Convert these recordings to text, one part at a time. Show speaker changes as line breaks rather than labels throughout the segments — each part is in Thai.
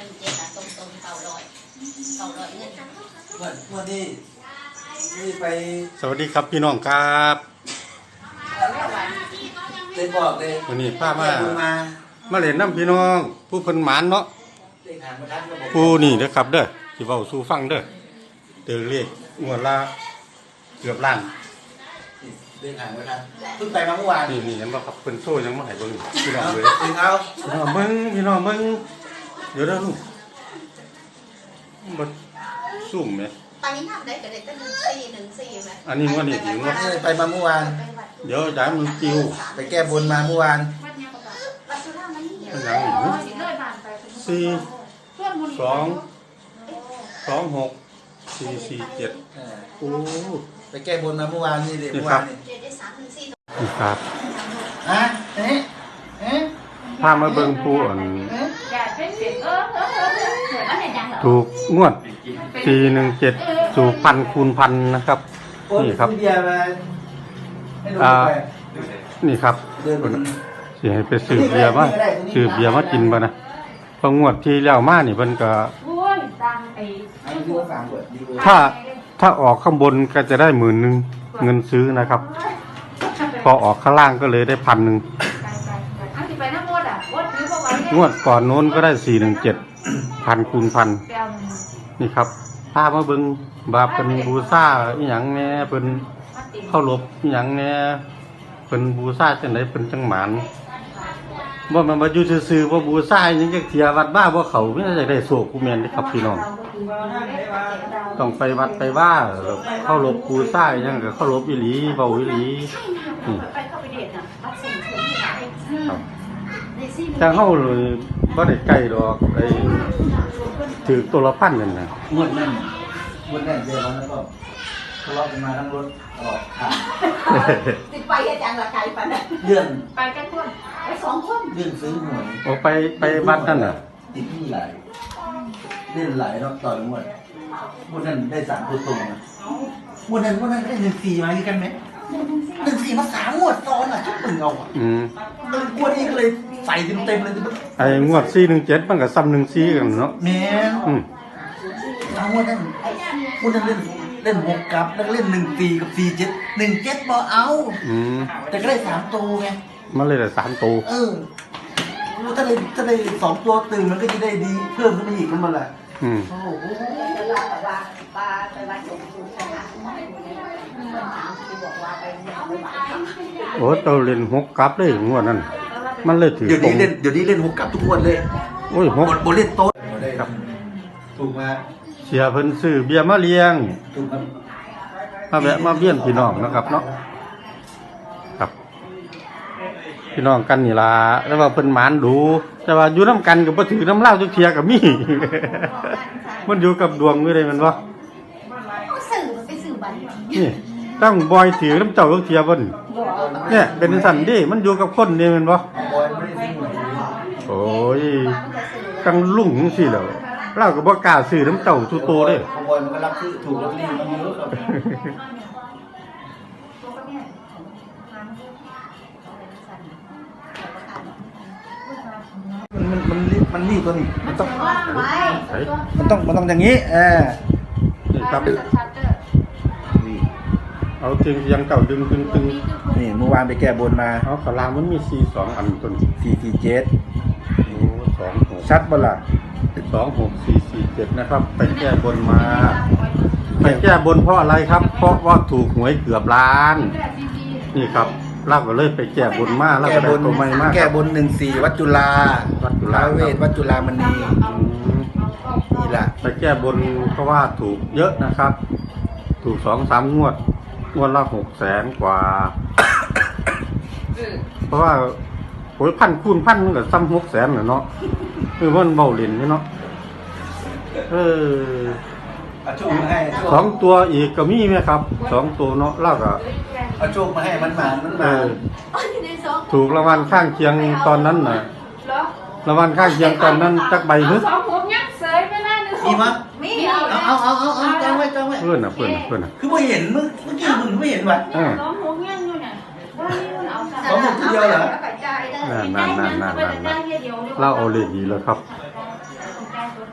417อ่ะตรง900เงิน
วันนี้ไป
สวัสดีครับพี่น้องครับ
เลยบอกเลย
วันนี้พามา
มา
เล่นน้ำพี่น้อง ผู้เพิ่นหมานเนาะ
เลขหางประทัดก็บอก
ผู้นี่เด้อครับเด้อสิเว้าสู่ฟังเด้อเดินเลขงวดละเกือบล้าน
เลขหางประทัดเพิ่งไปมาเมื่อวาน
นี่เห็นบ่ครับเพิ่นโซ่ยังบ่ให้เบิ่งพี่น้องเลย
ถึงเอา
พี่น้องเบิ่งพี่น้องเบิ่งเดี๋ยวเด้อลูกบ่ซุ่มแหม
ตอนนี้ทำได้ก็ได้ตั้ง1414มั้ย
อันนี้งวดนี้ถึงงวด
ไปมาเมื่อวาน
เดี๋ยวจ่ายมันจิว
ไปแก้บนมาเมื่อวาน
วัดสุราษฎร์มันนี่
เป็นหยังนี่4 2 2 6 4 4 7โอ้
ไปแก้บนมาเมื่อวานนี่เลยเมื่อวานนี่
ได้314
นี่ครับ
ฮะเอ๊ะ
พามาเบิ่งผู้อัน ถูกงวด417สู่พันคูณพันนะครับ นี่ครับ
เบียร์มาให้ดูไป
นี่ครับ
เดิน
สิให้ไปซื้อเบียร์มาซื้อเบียร์มากินบ่นะเพราะงวดที่แล้วมานี่เพิ่นก็
อันนี้ดูว่า3บทดี
ถ้าออกข้างบนก็จะได้10,000เงินซื้อนะครับ พอออกข้างล่างก็เลยได้1,000งวดก่อนโน้นก็ได้417พันคูณพันนี่ครับพามาเบิ่งบาปเป็นบูชาอีหยังแหน่เพิ่นเข้ารบอีหยังแหน่เพิ่นบูชาจังได๋เพิ่นจังหมานบ่แม่นว่าอยู่ซื่อๆบ่บูชาหยังจักเที่ยวัดบ้าบ่เข้ามีแต่จะได้โชคผู้แม่นเด้ครับพี่น้องต้องไปวัดไปว่าเข้ารบบูชาอีหยังก็เข้ารบอีหลีเว้าอีหลีนี่
ไปเข้าไปเดทน่ะวัดส่งเสริมที่ไหน
ครับแต่เฮาเลยบ่ได้ใกล้ดอกไอ้ถือตัวละพันนั่นน่ะ
งวดนั่นเจอแล้วก็ทะเลาะกันมาทั้งรถออกทาง
ติดไปอาจารย์ละไกลปานนั้น
เรื่อง
ไปกันคนไป2คน
เรื่องซื้อหวย
ออกไปวัดนั่นน่ะ
ติดหนี้หลายเล่นหลายรอบต่องวดนั้นได้3ตัวตรงนะงวดนั้นได้1-4มาคือกันไหม1-4มา3งวดซ้อนอ่ะชุดมึงเอาอ่ะกลัวนี่ก็เลยใส่เต็มเลย
ไอ้งวด417มันก็ซ้ำ14กันเนาะ
แม่เอางวดนั้นเล่น6กับแล้วก็เล่น1-4กับ4-7 1-7บ่เอาแต่ก็ได้3ตัวไง
มันเลยได้3ตัว
ถ้าได้2ตัวตื่นมันก็จะได้ดีเพิ่มขึ้นมาอีกมันละโอ้โห
ปลาไปวัดส่งเสริมที่ไหนบอกว่าไป
โอ้เตาเล่น6กับเลยงวดนั้นมันเลยถือ
เดี๋ยวนี้เล่น6กับทุกงวดเลย
โอ้ย
บ่เล่นโต๊ะ
ครับ
ถูกมา
เสียเพิ่นซื้อเบียร์มาเลี้ยง
ถูกมา
มาแวะมาเวียนพี่น้องนะครับเนาะครับ พี่น้องกันนี่ล่ะแล้วว่าเพิ่นหมานดูแต่ว่าอยู่นํกันก็บ่ถือน้ำเหล้าจักเที่ยก็มี มันอยู่กับดวงอยู่เลยแม่นบ่
สื่อมันไปสื่อบัน
นี่ต้องบอยถือน้ำเจ้าจักเที่ยเพิ่นเนี่ยเป็นสั่นดิมันอยู่กับคนนี่แม่นบ่
บอยไม่ได้ซื้อหวย
โอ้ยกังลุ่งจังซี่แหล้วเราก็บ่กล้าซื้อน้ำเจ้าทุโตเด้
บอยมันก็รับซื้อถูกลอตเตอรี่มาเยอะครับมันนี่ตัวนี้มันต้องอย่างนี้
นี่ครับ
นี่
เอาจริงยังเก่าดึงตึง
นี่เมื่อวานไปแก้บนมา
เอาขลางมันมี42อันต้น
447
โอ้26
ชัดบ่ล่ะ
26447นะครับไปแก้บนมาไปแก้บนเพราะอะไรครับ เพราะว่าถูกหวยเกือบล้าน นี่ครับเราก็เลยไปแก้บนมาแล้วก็ได้ตัวใหม่มา
แก้บน14วัดจุฬา
วัดจุฬา
ท้าวเวทวัดจุฬามณีนี่ล่ะ
ไปแก้บนเพราะว่าถูกเยอะนะครับ ถูก 2-3 งวดละ600,000 กว่า เพราะว่าโอ้ยพันคูณพันมันก็ซ้ำ600,000น่ะเนาะคือมันเบาเล่นนี่เนาะ
เอาโชคมาให้
2 ตัวอีกก็มีไหมครับ2ตัวเนาะแล้วก็
เอาโชคมาให้มันมา
ถูกรางวัลข้างเคียงตอนนั้นน่ะรางวัลข้างเคียงตอนนั้นจักใบฮึ
มีมั้ย
มี
เอาจองไว้
เพื่อนน่ะ
คือไม่เห็นเมื่อกี้มึงไม่เห็นว่ะ
น้องหัวเงี้ยอยู่เนี่ยเอา
เขาหมดทีเดียวเหรอ
นั่นเราเอาเลขดีแล้วครับ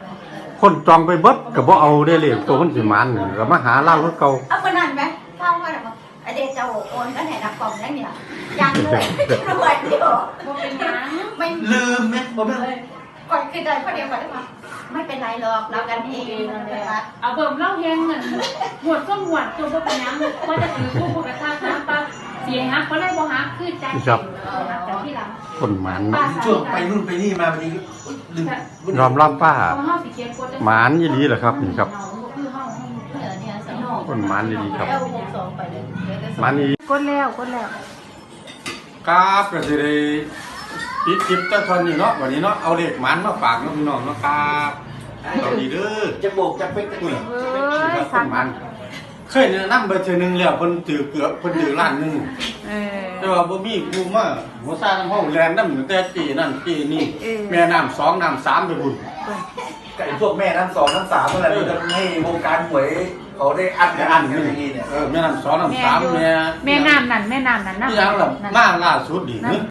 คนจองไปเบิดก็บ่เอาได้เลยตัวมันสิมันก็มาหาเล่าคือเก่า
เอาคนนั้นไหมเข้ามาแบบไอเดจะโอนก็ไหนนับกล่องได้เนี่ยยังเลยรวยอยู่เป็นยังไม่
ลืมไหมผมไม่
ก่อนคือเดินคนเดียวก่อนได้ไหมไม่เป็นไรหรอกเรากันเองนะคะ
เอาเบิ่มเล่าเฮงน่ะหวดก็หวดตัวบ่เป็นหยังว่าจะถือผู้ผู้กระทำน้ำปลาเสียฮักบ่ได้บ่ฮักคือใจเย็นแต่ที่หลัง
คนหมัน
ช่วงไปนู่นไปนี่มาวันนี้ลืม
ยอมรับป้า
เฮาสิเขียนกด
หมานอีหลีเหรอครับนี่ครับ
คือเฮา
เนี่ยสนอง
คนหมานอีหลีครับ
เอา62ไปเลย
หมานอี
กดแล้ว
กราบก็สิได้ปิดคลิปแต่เท่านี้เนาะวันนี้เนาะเอาเลขหมานมาฝากเนาะพี่น้องเนาะครับสวัสดีเด้อ
จะโบกจะเป๊กจะ
คุ
เป๊
ณ
ก
คนหมานเคยแนะนำไปเทื่อนึงแล้วเพิ่นถือเกือบเพิ่นถือล้านหนึงแต่ว่าบ่มีผู้มาหัวซ่าน้ำเฮาแลนน้ำตั้งแต่ปีนั้นปีนี้แม่น้ำ2น้ำ3ไปพุ่น
ไอ้พวกแม่น้ำสองน้ำสามอะไรมันจะให้วงการหวยเขาได้อัดกันอย่างนี้เนี่ย
แม่น้ำ2น้ำ3แม่
แม่น้ำนั่นนะ
ที่ยังล่ะมาล่าสุดนี่